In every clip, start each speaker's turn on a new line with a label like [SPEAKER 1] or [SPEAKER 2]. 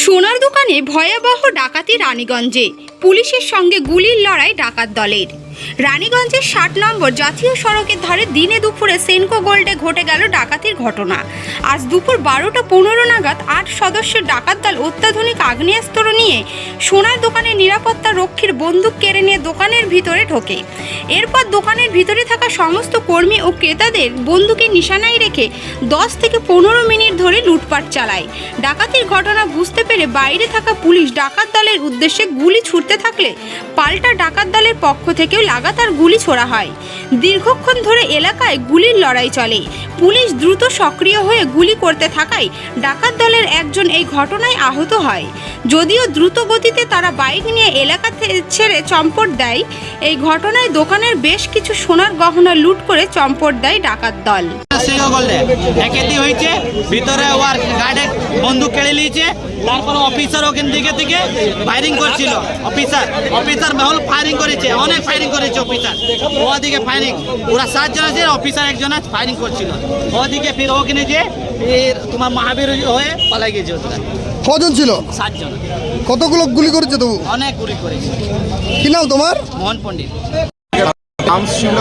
[SPEAKER 1] সোনার দোকানে ভয়াবহ ডাকাতি রানীগঞ্জে, পুলিশের সঙ্গে গুলির লড়াই ডাকাত দলের। রানীগঞ্জের ৬০ নম্বর জাতীয় সড়কের ধারে দিনে দুপুরে সেনকো গোল্ডে ঘটে গেল ডাকাতির ঘটনা। আজ দুপুর ১২টা ১৫ নাগাদ ৮ সদস্যের ডাকাত দল অত্যাধুনিক আগ্নেয়াস্ত্র নিয়ে সোনার দোকানের নিরাপত্তা রক্ষীর বন্দুক কেড়ে নিয়ে দোকানের ভিতরে ঢোকে। এরপর দোকানের ভিতরে থাকা সমস্ত কর্মী ও ক্রেতাদের বন্দুকের নিশানায় রেখে ১০ থেকে ১৫ মিনিট ধরে লুটপাট চালায়। ডাকাতির ঘটনা বুঝতে পেরে বাইরে থাকা পুলিশ ডাকাত দলের উদ্দেশ্যে গুলি ছুড়তে থাকলে পাল্টা ডাকাত দলের পক্ষ থেকেও লাগাতার গুলি ছোড়া হয়। দীর্ঘক্ষণ ধরে এলাকায় গুলির লড়াই চলে। পুলিশ দ্রুত সক্রিয় হয়ে গুলি করতে থাকায় ডাকাত দলের একজন এই ঘটনায় আহত হয়। যদিও দ্রুত গতিতে তারা বাইক নিয়ে এলাকা ছেড়ে চম্পট দেয়। এই ঘটনায় দোকানের বেশ কিছু সোনার গহনা লুট করে চম্পট দেয় ডাকাত দল।
[SPEAKER 2] ভিতরে ওর গার্ডে বন্দুক কেড়ে নিয়েছে, তারপর অফিসার ওখান থেকে ফায়ারিং করছিল। অফিসার মহল ফায়ারিং করেছে, অনেক ফায়ারিং করেছে অফিসার। ওদিকে ফায়ারিং ওরা 7 জন আছে, অফিসার একজন ফায়ারিং করছিল। ওদিকে ফির ওখানে যে তোমার মহাবীর হয়ে পালাই গেছে।
[SPEAKER 3] কজন ছিল?
[SPEAKER 2] 7 জন।
[SPEAKER 3] কতগুলো গুলি করেছে তবু?
[SPEAKER 2] অনেক গুলি করেছে।
[SPEAKER 3] কি নাম তোমার?
[SPEAKER 2] মোহন পণ্ডিত।
[SPEAKER 4] নাম ছিল,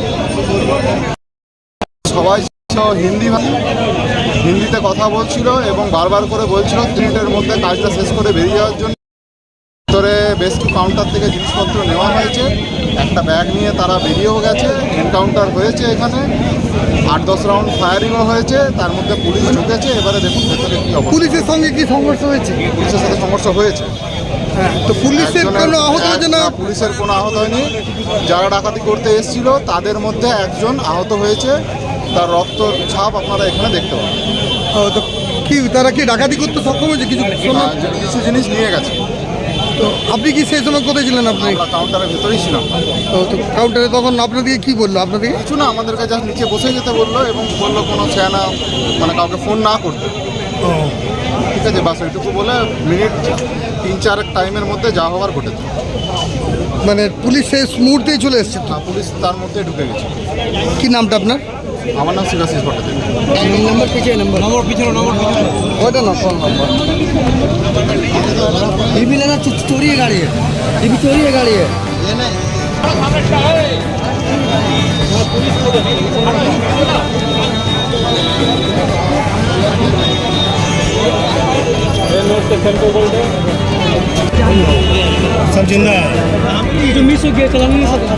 [SPEAKER 4] সবাই হিন্দিতে কথা বলছিল এবং বারবার করে বলছিল 3 মিনিটের মধ্যে কাজটা শেষ করে বেরিয়ে যাওয়ার জন্য। ভিতরে বেশ কিছু কাউন্টার থেকে জিনিসপত্র নেওয়া হয়েছে, একটা ব্যাগ নিয়ে তারা বেরিয়েও গেছে। এনকাউন্টার হয়েছে, এখানে 8-10 রাউন্ড ফায়ারিংও হয়েছে, তার মধ্যে পুলিশ ঢুকেছে। এবারে দেখুন ভেতরে কি অবস্থা।
[SPEAKER 3] পুলিশের সঙ্গে কি সংঘর্ষ হয়েছে?
[SPEAKER 4] পুলিশের সাথে সমস্যা হয়েছে।
[SPEAKER 3] তো পুলিশের কোনো আহত হয়েছে না?
[SPEAKER 4] পুলিশের কোনো আহত হয়নি। যারা ডাকাতি করতে এসেছিল তাদের মধ্যে একজন আহত হয়েছে, তার রক্ত ছাপ আপনারা এখানে দেখতে পাবেন।
[SPEAKER 3] তো কি তারা কি ডাকাতি করতে সক্ষম হয়েছে?
[SPEAKER 4] কিছু জিনিস নিয়ে গেছে।
[SPEAKER 3] তো আপনি কি সেই সময় কোথায় ছিলেন? আপনি
[SPEAKER 4] কাউন্টারের ভেতরেই ছিলাম।
[SPEAKER 3] তো কাউন্টারে তখন আপনাদেরকে কি বললো? আপনাদেরকে
[SPEAKER 4] কিছু না, আমাদেরকে জাস্ট নিচে বসে যেতে বললো এবং বললো কোনো চেনা মানে কাউকে ফোন না করতে। ঠিক আছে, বাস ওইটুকু বলে মিনিট 3-4 টাইমের মধ্যে যা হওয়ার ঘটেছে।
[SPEAKER 3] মানে পুলিশ শেষ মুহূর্তেই চলে এসছে?
[SPEAKER 4] পুলিশ তার মধ্যে ঢুকে গেছে।
[SPEAKER 3] কি নামটা আপনার?
[SPEAKER 4] আমার নাম শিবাশিস ভট্টাচার্য।
[SPEAKER 3] নম্বর পিছিয়ে ওইটা না, ফোন নম্বর টিভি লেখা চড়িয়ে গাড়িয়ে, টিভি চড়িয়ে গাড়িয়ে।
[SPEAKER 5] सब जिंदा है। जो मिस हो गया चला नहीं सकता।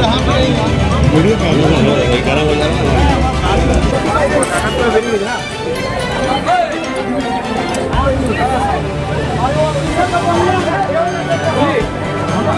[SPEAKER 5] वीडियो